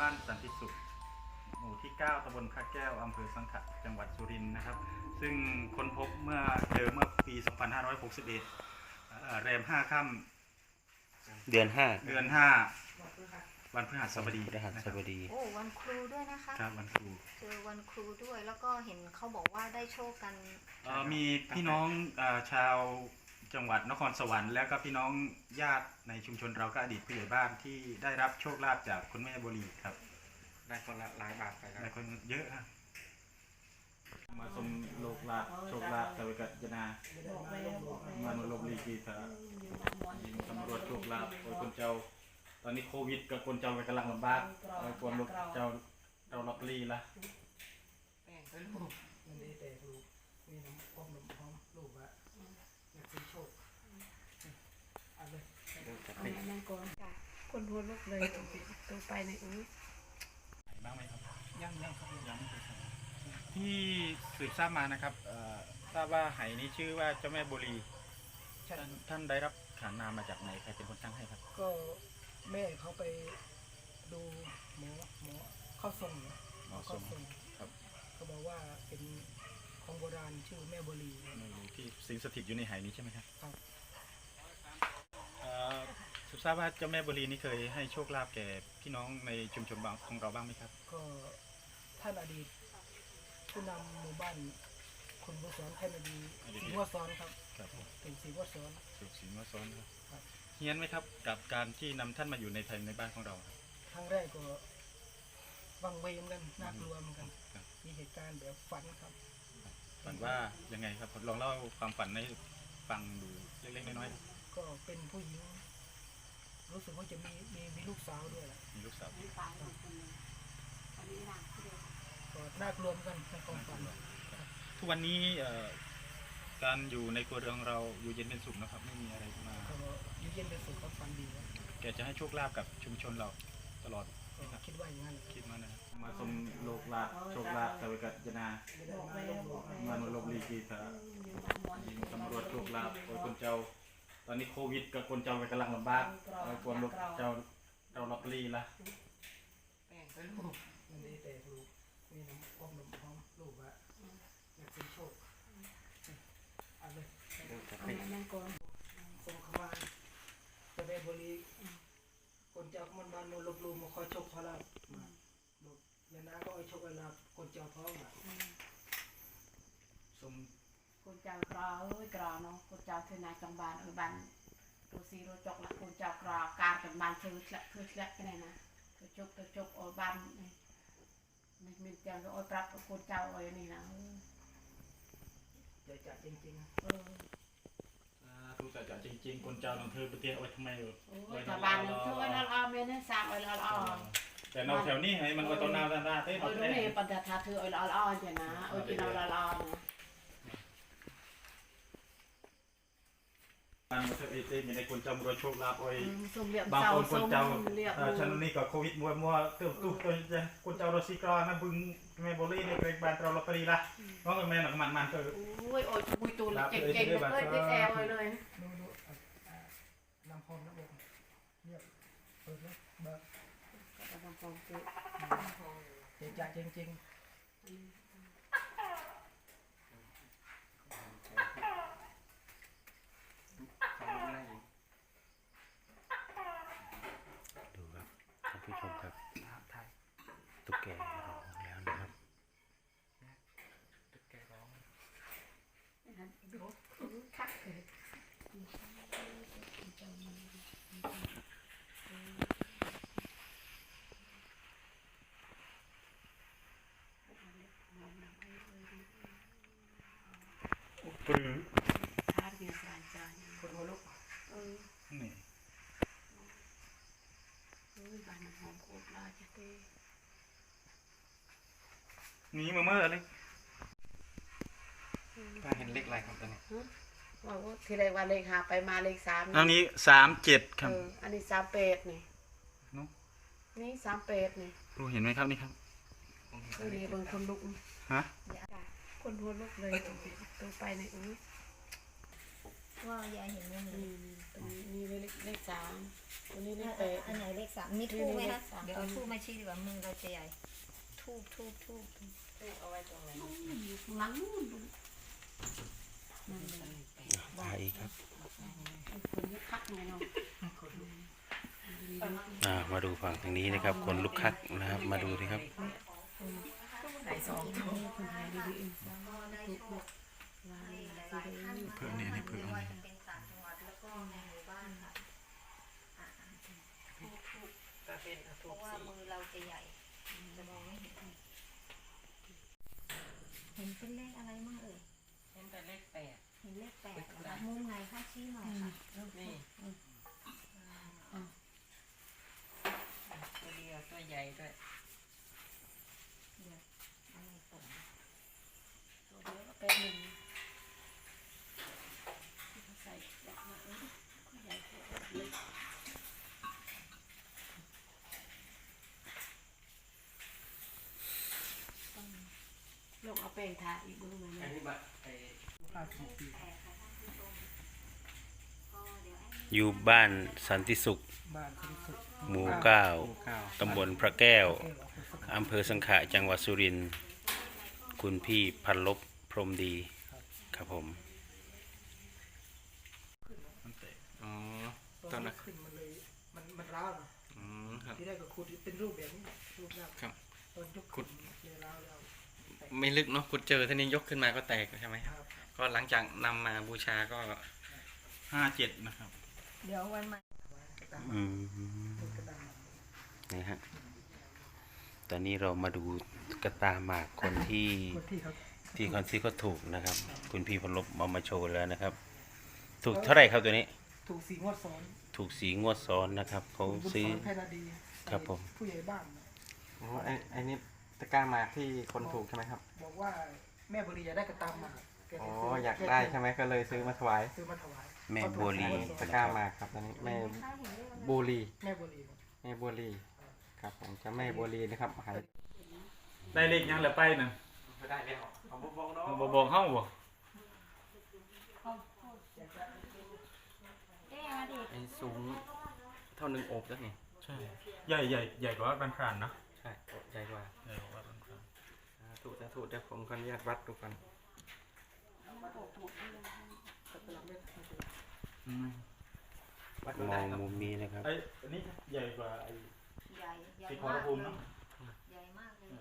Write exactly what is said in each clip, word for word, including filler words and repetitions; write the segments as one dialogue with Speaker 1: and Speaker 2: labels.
Speaker 1: านสันติสุขหมู่ที่เก้าตำบลพระแก้วอำเภอสังขะจังหวัดสุรินทร์นะครับซึ่งค้นพบเมื่อเจอเมื่อปี สองพันห้าร้อยหกสิบเอ็ด แรมห้าค่ำ
Speaker 2: เดือนห้า
Speaker 1: เดือนห้าวันพฤหัสบดี
Speaker 2: พฤหัสบดี
Speaker 3: โอ้วันครูด้วยนะคะ
Speaker 1: ครับวันครู
Speaker 3: เจอวันครูด้วยแล้วก็เห็นเขาบอกว่าได้โชคกัน
Speaker 1: มีพี่น้องชาวจังหวัดนครสวรรค์แล้วก็พี่น้องญาติในชุมชนเราก็อดีตผู้ใหญ่บ้านที่ได้รับโชคลาภจากคุณแม่บุรีครับ
Speaker 2: ได้คนละหลายบาทไปครับ
Speaker 1: ได้คนเยอะฮะมาสมโลกลาภโชคลาภสวัสดิจนามาโนโลกลีกีสาตำรวจโชคลาภโอ้ยคนเจ้าตอนนี้โควิดกับคนเจ้าไปกำลังลำบากโอ้ยคนลูกเจ้าเราล็อกลีละ
Speaker 4: แป้งเป็นลูกมันได้แต่ลูกมีน้ำก้มน้ำพร้อมลูกอะอยากเป็นโชคเอาเลยเอาแม่นั่งก่อนคนหัวลุกเลยตัวไปในอุ้ย
Speaker 1: บ้างไหมครับ
Speaker 4: ยังยังครับ
Speaker 1: ยังไม่เคยที่สืบทราบมานะครับทราบว่าไหนี้ชื่อว่าเจ้าแม่บุรีท่านได้รับขานนามมาจากไหนใครเป็นคนตั้งให้ครับ
Speaker 4: ก็แม่เขาไปดูหมอหมอเข้าทรง
Speaker 1: หมอทรงครับ
Speaker 4: เขาบอกว่าเป็นของโบราณชื่อแม่บุรี
Speaker 1: ที่สิงสถิตอยู่ในไหนี้ใช่ไหมครับ
Speaker 4: ครับ
Speaker 1: สืบทราบว่าเจ้าแม่บุรีนี่เคยให้โชคลาภแก่พี่น้องในชุมชนบางของเราบ้างไหมครับ
Speaker 4: ก็ท่านอดีตผู้นำหมู่บ้านคนวัวซ้อนท่านอดีตสีวัวซ้อนครับเป็นสีวัวซ้อน
Speaker 1: สีวัวซ้อนครับเฮี้ยนไหมครับกับการที่นำท่านมาอยู่ในไทยในบ้านของเรา
Speaker 4: ครั้งแรกก็วังเวงกันน่ากลัวเหมือนกันมีเหตุการณ์แบบฝันครับ
Speaker 1: ฝันว่ายังไงครับลองเล่าความฝันให้ฟังดูเล็กๆน้อย
Speaker 4: ๆก็เป็นผู้หญิงรู้สึกว่าจะมีมีมีลูกสาวด้วยแหละ
Speaker 1: มีลูกสาว
Speaker 4: ก็น่ากลัวเหมือนกันในความฝัน
Speaker 1: ทุกวันนี้การอยู่ในครัวเรือนของเราอยู่เย็นเป็นสุขนะครับไม่มีอะไรมา
Speaker 4: ก็อยู่เย็นเป็นสุขก็ฝันดีนะ
Speaker 1: แกจะให้โชคลาภกับชุมชนเราตลอด
Speaker 4: คิดว่าอย่างนั้น
Speaker 1: คิดมานะมาสมโลกลาภโชคลาภสวัสดิจนามาโนโลกลีกีสาตำรวจโชคลาภโอ้ยคนเจ้าตอนนี้โควิดกับคนเจ้าไปกำลังลำบากโอ้ยคนลูกเจ้าเราล็อกลีละ
Speaker 4: แป้งเป็นลูกมันได้แต่ลูกมีน้ำก้มน้ำพร้อมลูกอะอยากเป็นโชคเอาเลยเอาแม่นั่งก่อนส่งเข้ามาจะไปบริคนเจ้ามันบ้านโนลบลูมาคอยโชคขอลาบมาลูกยานาก็เอาโชคลาบคนเจ้าท้องอะ
Speaker 1: สม
Speaker 5: คนเจ้ากรอเอ้ยกรอเนาะคนเจ้าเทนาจังบานเอ้ยบ้านตัวซีโรจกละคนเจ้ากรอการกันบ้านเชื่อเชื่อเชื่อเชื่อกันเลยนะตัวจกตัวจกโอ้บ้านนี่นี่มีเจ้าก็โอ้ปรับคนเจ้าโอ้ยนี่นะ
Speaker 4: เดี๋ยวจะจริงๆ
Speaker 5: เออ
Speaker 1: ทุกแต่จริงๆคนเจ้าลองเธอไปเตี้ยโอ้ยทำไมเออ
Speaker 5: โอ้ยบ้านนึงช่วยเราเอาเมนสามโอ้ยเราเอา
Speaker 1: แต่นอกแถวนี้ไงมันก็ต้นนาต้นนาเต้
Speaker 5: โอ้ยตรงนี้ปัญญาธาถือโอ้ยเราเอาเจ้านะโอ้ยกินเราเราเอา
Speaker 1: บางประเทศเองในคนจำรวยโชคลาภโอ้ย
Speaker 5: บาง
Speaker 1: คนคนเจ้าฉันนี่ก็โควิดมัวมัวเติมตู้ตัวจะคนเจ้ารถซีกรอนนะบึงแม่โบลี่ในเกรงบานเราลอตเตอรี่ละน้องกับแม่หนักมันมันเถอะ
Speaker 5: โอ้ยโอ้ยมุยตูนเก่งเก่งเลยเด็กแอลเลยเลย
Speaker 4: ดูดูลำพองนะบอกเนี่ยเปิดนะเบิก
Speaker 5: ลำพองเกิด
Speaker 4: เดี๋ยวจะจริงๆ
Speaker 2: ดูครับท่านผู้ชมครับตุ๊กแกร้องแล้วนะครับ
Speaker 4: ตุ๊กแกร้อง
Speaker 5: ดูคักเลย
Speaker 1: ปรือ
Speaker 5: ชาติเดียวกันจ้า
Speaker 4: คนหัวลุก
Speaker 1: นี่
Speaker 5: เฮ้ยบ้านหอมโคตรลาจะเต้
Speaker 1: นี่มาเมื่อเลยป้าเห็นเลขอะไรครับตอนนี้
Speaker 5: ว่าว่าทีแรกว่าเลขหาไปมาเลขสาม
Speaker 1: อันนี้สามเจ็ดครับ
Speaker 5: อันนี้สามเป็ดนี่นี่สามเป็ดนี่
Speaker 1: รู้เห็นไหมครับนี่ครับ
Speaker 5: นี่บางคนลุก
Speaker 1: ฮะ
Speaker 5: คนหัวลุกเลยตัวไปในอุ้ย
Speaker 3: ว่ายายเห็นมุมไหน
Speaker 5: นี่ตรงนี้นี่เลขเลขสามตัวนี้เลขแปด
Speaker 3: อันไหนเลขสามมีทูบไหมคะ
Speaker 5: เลขสาม
Speaker 3: เดี๋ยวเอาทูบมาชี้ดีกว่ามือเราจะใหญ่ทูบทูบทูบ
Speaker 4: เอาไว้ตรงไหน
Speaker 5: อยู่ข้างหลังนู่นนั่นเลย
Speaker 2: ถ่ายอีกครับ
Speaker 5: คนนี้คักไงเนาะ
Speaker 2: อ่ามาดูฝั่งทางนี้นะครับ คนลุกคักนะครับ มาดูดิครับ
Speaker 4: ไหนสอง
Speaker 5: คนไทยดีๆเอง
Speaker 1: เพื่อนนี่นี่เพื่อน
Speaker 3: ไม่ว่า
Speaker 1: นี่
Speaker 3: จะเป็นต่างจังหวัดแล้วก็ในหมู่บ้านค่ะอ่ะทูบทูบ
Speaker 4: ตาเป็นเอา
Speaker 3: เพ
Speaker 4: ถูก
Speaker 3: ราะว่า
Speaker 4: สี
Speaker 3: มือเราจะใหญ่จะมองไม่เห็นเห็นเป็นเลขอะไรมั่งเอ่ย
Speaker 4: เห็นแต่เลขแปด
Speaker 3: เห็นเลขแปดเหรอคะมุมไหนคะชี้หน่อยค่ะ
Speaker 4: นี่ตัวเดียวตัวใหญ่ด้วย
Speaker 3: เดี๋ยวอะไรตก
Speaker 5: ตัวเดียวก็เป็นหนึ่งใส่ยักษ์มาเอ้ยใหญ่กว่าเล็กลงเอาแป้งทาอีกดูไหม
Speaker 4: อัน
Speaker 5: เนี่ย
Speaker 4: นี้บัตรไอ้ห้าสิบปี
Speaker 3: แปดค่ะท่านผู้ชมก็เดี๋ยวให้
Speaker 2: อยู่บ้านสันติสุข
Speaker 4: บ้านคุณสุด
Speaker 2: หมู่เก้า
Speaker 4: หมู่เก้า
Speaker 2: ตำบลพระแก้ว
Speaker 4: เก้าเอาไปสัก
Speaker 2: อำเภอสังขะจังหวัดสุรินทร์คุณพี่พันลบพรหมดีครับผม
Speaker 1: มันเตะ
Speaker 2: อ๋อ
Speaker 4: ตอนนั้นขึ้นมาเลยมันมันร้าวนะ
Speaker 2: อืมครับ
Speaker 4: ที่ได้ก็ขุดเป็นรูปแบบนี้รูปแบบ
Speaker 2: ครับ
Speaker 4: ตอนยก
Speaker 2: ขุด
Speaker 4: เลยร้าวแล้ว
Speaker 2: ไม่ลึกเนาะขุดเจอท่านี้ยกขึ้นมาก็แตกใช่ไหม
Speaker 4: ครับ
Speaker 2: ก็หลังจากนำมาบูชาก็
Speaker 1: ห้าเจ็ดนะครับ
Speaker 3: เดี๋ยววันใหม่
Speaker 4: กระดาษ
Speaker 2: อืม
Speaker 4: กระดาษ
Speaker 2: นี่ฮะตอนนี้เรามาดูกระตาหมากคนที่
Speaker 4: คนที่เขา
Speaker 2: ที่คนที่เขาถูกนะครับ คุณพี่พันลบเอามาโชว์แล้วนะครับ ถูกเท่าไหร่ครับตัวนี้
Speaker 4: ถูกสีงวดซ้อน
Speaker 2: ถูกสีงวดซ้อนนะครับเขา
Speaker 4: บุญ
Speaker 2: ซื้อ
Speaker 4: สอนแพนาดี
Speaker 2: ครับผม
Speaker 4: ผู้ใหญ่บ้านนะ
Speaker 6: อ๋อไอ้ไอ้นี่ตะกร้าหมากที่คนถูกใช่ไหมครับ
Speaker 4: บอกว่าแม่บุรีอยากได้กระตามมาแก
Speaker 6: อ๋อ
Speaker 4: จะซื้
Speaker 6: อยากได้ใช่ไหมก็เลยซื้อมาถวาย
Speaker 4: ซื้อมาถวาย
Speaker 2: แม่บัวลี
Speaker 6: ตะกร้าหมากครับตอนนี้แม่
Speaker 3: ถ้าเห็นเลขอะไร
Speaker 6: บัวลี
Speaker 4: แม่บุรีครับ
Speaker 6: แม่บัวลีครับผมจะแม่บัวลีนะครับหาย
Speaker 1: ได้เลขยังแล้วไปน่ะ
Speaker 6: ไม่ได้แล้วเอาบุบงเนาะ
Speaker 1: บ่บอกเฮาบ่
Speaker 6: ไอ้สูงเท่าหนึ่งโอบแล้วนี่
Speaker 1: ใช่ใหญ่ใหญ่ใหญ่กว่าบ้านพรานนะ
Speaker 6: ใช่โอบใหญ่กว่า
Speaker 1: ใหญ่กว่าบ้านพราน
Speaker 6: สาธุสาธุเดี๋ยวผมขออนุญาตวัดดูกัน
Speaker 1: อืม
Speaker 6: วัดดู
Speaker 2: ม
Speaker 6: ได้
Speaker 2: อง
Speaker 6: ครับ
Speaker 2: มุมนี้นะครับ
Speaker 1: ไอ้อันนี้ใหญ่กว่าไอ้
Speaker 3: ใหญ่ใหญ่
Speaker 1: สีขอ
Speaker 3: มาร ก
Speaker 1: ภูมิ
Speaker 3: เล
Speaker 1: เนาะ
Speaker 3: ยใหญ่มากเลย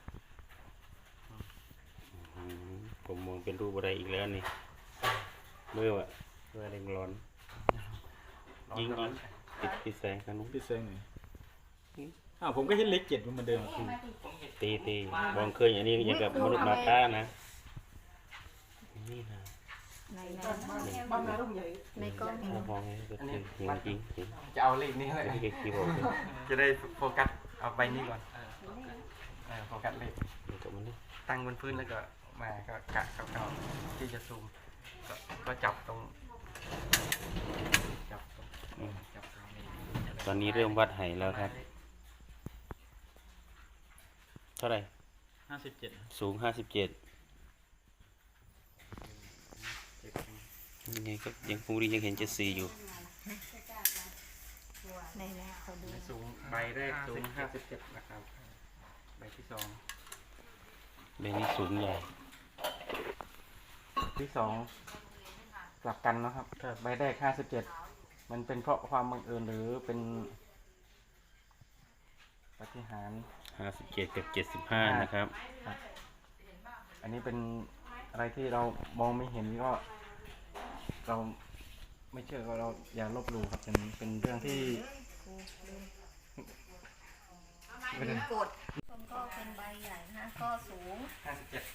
Speaker 2: อืมผมมองเป็นรูปอะไรอีกแล้วนี่เมื่อวะเมื่อเร่งร้อน ยิงยิงปิดปิดแสงกันนุ้ง
Speaker 1: พี่เซงหน่อยอ้าวผมก็เห็นเลขเจ็ดมันเหมือนเดิม
Speaker 2: ตีตีมองเคยอย่างนี้อย่างกับมนุษย์มาต้านะนี่นะ
Speaker 3: ในใน
Speaker 4: บ้านนารุ่งใหญ่
Speaker 3: ในกล้องเห็น
Speaker 2: ถ้ามองให้ก็คือจริงจริงจริง
Speaker 6: จะเอาเลขนี้เลย
Speaker 2: ไม่ใช่คีย์บอร์ดเลย
Speaker 6: จะได้โฟกัสเอาใบนี้ก่อนเออโฟกัสเลข
Speaker 2: มันกับมันนี่
Speaker 6: ตั้งบนพื้นแล้วก็มาก็กะเก่าๆที่จะซูมก็ก็จับตรงจับตรง
Speaker 2: อืม
Speaker 6: จับตรงนี้
Speaker 2: ตอนนี้เริ่มวัดไหแล้วครับ เท่าไหร่
Speaker 1: ห้าสิบเจ็ด
Speaker 2: สูงห้าสิบเจ็ดยังไงก็ยังฟูรียังเห็นเจ็ดสี่อยู่
Speaker 3: ในในเขาดู
Speaker 6: สูงใบแรกสูงห้าสิบเจ็ดนะครับใบที่สอง
Speaker 2: ใบนี้สูงใหญ่
Speaker 6: ที่สองกลับกันนะครับใบแรกห้าสิบเจ็ดมันเป็นเพราะความบังเอิญหรือเป็นปาฏิหาริย์
Speaker 2: ห้าสิบเจ็ดกับเจ็ดสิบห้านะครับ
Speaker 6: อันนี้เป็นอะไรที่เรามองไม่เห็นก็เราไม่เชื่อก็เราอย่าลบหลู่ครับเป็นเป็นเรื่องที่
Speaker 3: ลืมกดชมก็เป็นใบใหญ่นะก็สูง
Speaker 6: ห้าสิบเจ็ด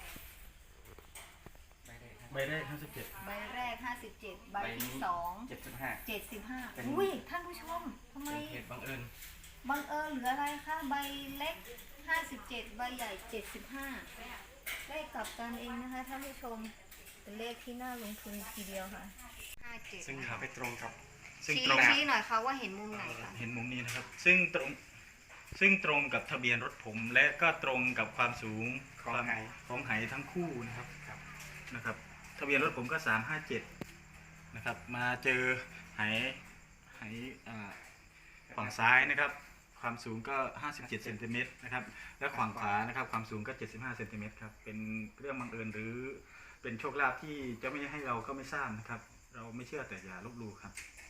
Speaker 1: ใบแรกห้าสิบเจ็ด
Speaker 3: ใบแรกห้าสิบเจ็ดใบที่สอง
Speaker 6: เจ็ดสิบห้า
Speaker 3: เจ็ดสิบห้า
Speaker 6: เป็น
Speaker 3: อุ้ยท่านผู้ชมทำไม
Speaker 6: เป็นเหตุบังเอิญ
Speaker 3: บังเอิญหรืออะไรคะใบเล็กห้าสิบเจ็ดใบใหญ่เจ็ดสิบห้าเลขกลับกันเองนะคะท่านผู้ชมเป็นเลขที่น่าลงทุนทีเดียวค่ะห้าเจ็ด
Speaker 6: ซึ่งไปตรงกับ
Speaker 1: ซึ่ง
Speaker 3: ชี้
Speaker 1: ตรง
Speaker 3: ชี้หน่อยค่ะว่าเห็นมุมไหนคะ
Speaker 1: เห็นมุมนี้นะครับ ซึ่งตรงซึ่งตรงกับทะเบียนรถผม และก็ตรงกับความสูง
Speaker 6: ของ
Speaker 1: ความ
Speaker 6: ไหน
Speaker 1: ของไหทั้งคู่นะครับนะครับ ทะเบียนรถผมก็สามห้าเจ็ดนะครับ มาเจอไหไหอ่าฝั่งซ้ายนะครับ ความสูงก็ ห้าสิบเจ็ดเซนติเมตรนะครับ และฝั่งขวานะครับความสูงก็ เจ็ดสิบห้าเซนติเมตรครับ เป็นเรื่องบังเอิญหรือเป็นโชคลาภที่จะไม่ให้เราก็ไม่ทราบนะครับ เราไม่เชื่อแต่อย่าลบหลู่ครับ